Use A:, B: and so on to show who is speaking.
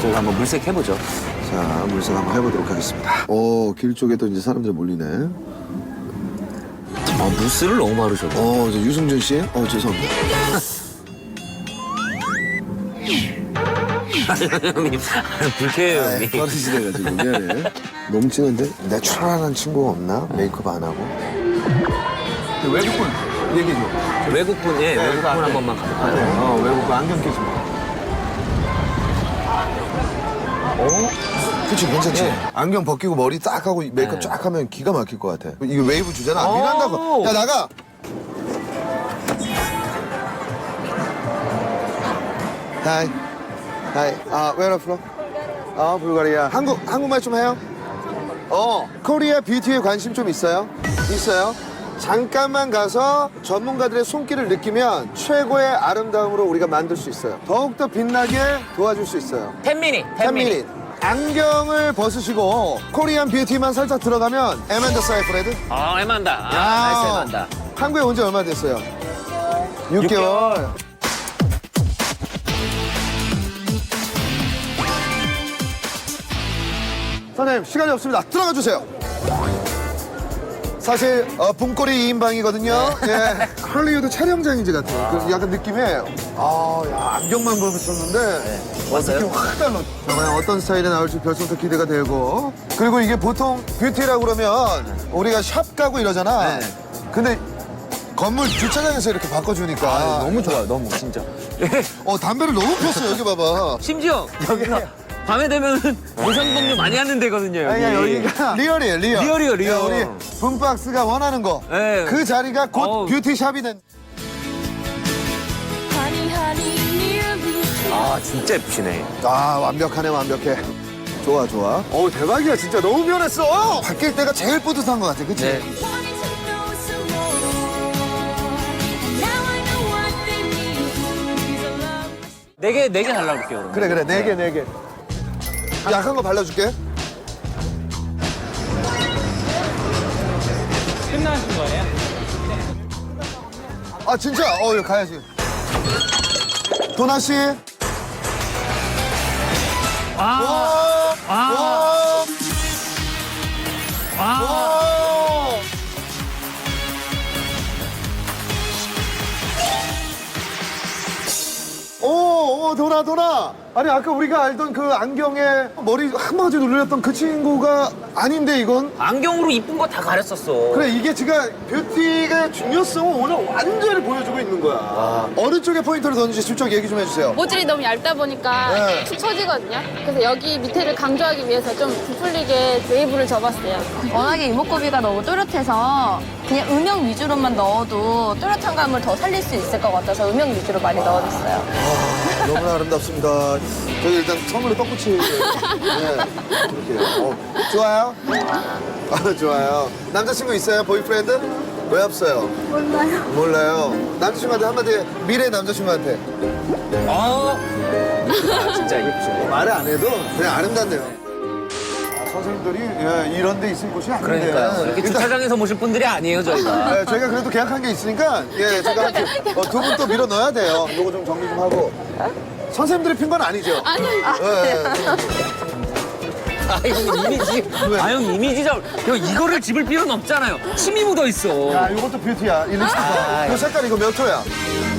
A: 저희가 한번 물색 해보죠.
B: 자, 물색 한번 해보도록 하겠습니다. 오, 길 쪽에도 이제 사람들이 몰리네.
A: 무스를 너무 바르셨네.
B: 저 유승준 씨? 죄송합니다.
A: 형님, 불쾌해요,
B: 아이,
A: 형님.
B: 버릇이돼가지고 미안해. 너무 진한데? 내추럴한 친구가 없나? 메이크업 안 하고? 외국분 얘기해줘.
A: 외국분, 예, 외국분
B: 앞에.
A: 한 번만 가볼까요?
B: 외국분 안경 끼지 마. 그치, 괜찮지?
A: 네.
B: 안경 벗기고 머리 딱 하고 메이크업
A: 네.
B: 쫙 하면 기가 막힐 것 같아. 이거 웨이브 주잖아. 안
A: 오.
B: 밀한다고. 야, 나가! 하이. 하이. where are you from? 불가리아. 한국말 좀 해요? 코리아 뷰티에 관심 좀 있어요? 있어요? 잠깐만 가서 전문가들의 손길을 느끼면 최고의 아름다움으로 우리가 만들 수 있어요. 더욱더 빛나게 도와줄 수 있어요.
A: 10미닛,
B: 10미닛. 안경을 벗으시고 코리안 뷰티만 살짝 들어가면 에만다 사이프레드?
A: 에만다. 나이스 에만다.
B: 한국에 온 지 얼마 됐어요? 6개월. 선생님, 시간이 없습니다. 들어가 주세요. 사실 봄꼬리 2인방이거든요. 예. 할리우드 촬영장인지 같아요. 그 약간 느낌에 안경만 벗었었는데
A: 왔어요?
B: 느낌 확 달라. 과연 어떤 스타일이 나올지 벌써부터 기대가 되고. 그리고 이게 보통 뷰티라고 그러면 우리가 샵 가고 이러잖아.
A: 네.
B: 근데 건물 주차장에서 이렇게 바꿔주니까
A: 너무 좋아요, 너무, 진짜.
B: 담배를 너무 폈어. 여기 봐봐.
A: 심지어 여기가 밤에 되면 무상봉류 많이 하는 데거든요, 여기.
B: 아니야, 여기가 리얼이에요, 리얼.
A: 리얼이에요, 리얼.
B: 야, 우리 붐박스가 원하는 거.
A: 네.
B: 그 자리가 곧
A: 어우.
B: 뷰티샵이 된.
A: 진짜 예쁘시네.
B: 완벽하네, 완벽해. 좋아, 좋아. 대박이야, 진짜. 너무 변했어. 바뀔 때가 제일 뿌듯한 것 같아, 그치?
A: 네. 네 개 달라볼게요, 그러면.
B: 그래, 네 개. 약한 거 발라줄게.
C: 끝나신 거예요?
B: 진짜? 여기 가야지. 도나씨. 와! 도나. 아니, 아까 우리가 알던 그 안경에 머리 한 바가지 눌렸던 그 친구가 아닌데, 이건?
A: 안경으로 이쁜 거 다 가렸었어.
B: 그래, 이게 지금 뷰티의 중요성을 오늘 완전히 보여주고 있는 거야. 어느 쪽에 포인트를 던지지 슬쩍 얘기 좀 해주세요.
D: 모질이 너무 얇다 보니까
B: 네.
D: 툭 처지거든요. 그래서 여기 밑에를 강조하기 위해서 좀 부풀리게 웨이브를 접었어요.
E: 워낙에 이목구비가 너무 또렷해서 그냥 음영 위주로만 넣어도 또렷한 감을 더 살릴 수 있을 것 같아서 음영 위주로 많이 넣어줬어요.
B: 너무나 아름답습니다. 저기 일단 선물에 떡꼬치. 네, 이렇게요. 좋아요? 좋아요. 남자친구 있어요? 보이프렌드? 왜 없어요? 몰라요. 남자친구한테 한마디, 미래 남자친구한테.
A: 진짜 예쁘시네.
B: 말을 안 해도 그냥 아름답네요. 선생님들이 이런 데 있을 곳이 아닌데.
A: 그러니까요. 이렇게
B: 일단,
A: 주차장에서 모실 분들이 아니에요, 저희가.
B: 저희가 그래도 계약한 게 있으니까 제가 두 분 또 밀어 넣어야 돼요. 요거 좀 정리 좀 하고. 선생님들이 핀 건 아니죠?
D: 아니요.
A: 형 이미지. 형 이미지 형 이거를 집을 필요는 없잖아요. 침이 묻어 있어.
B: 야, 이것도 뷰티야. 이 립스틱. 이 색깔 이거 몇 호야?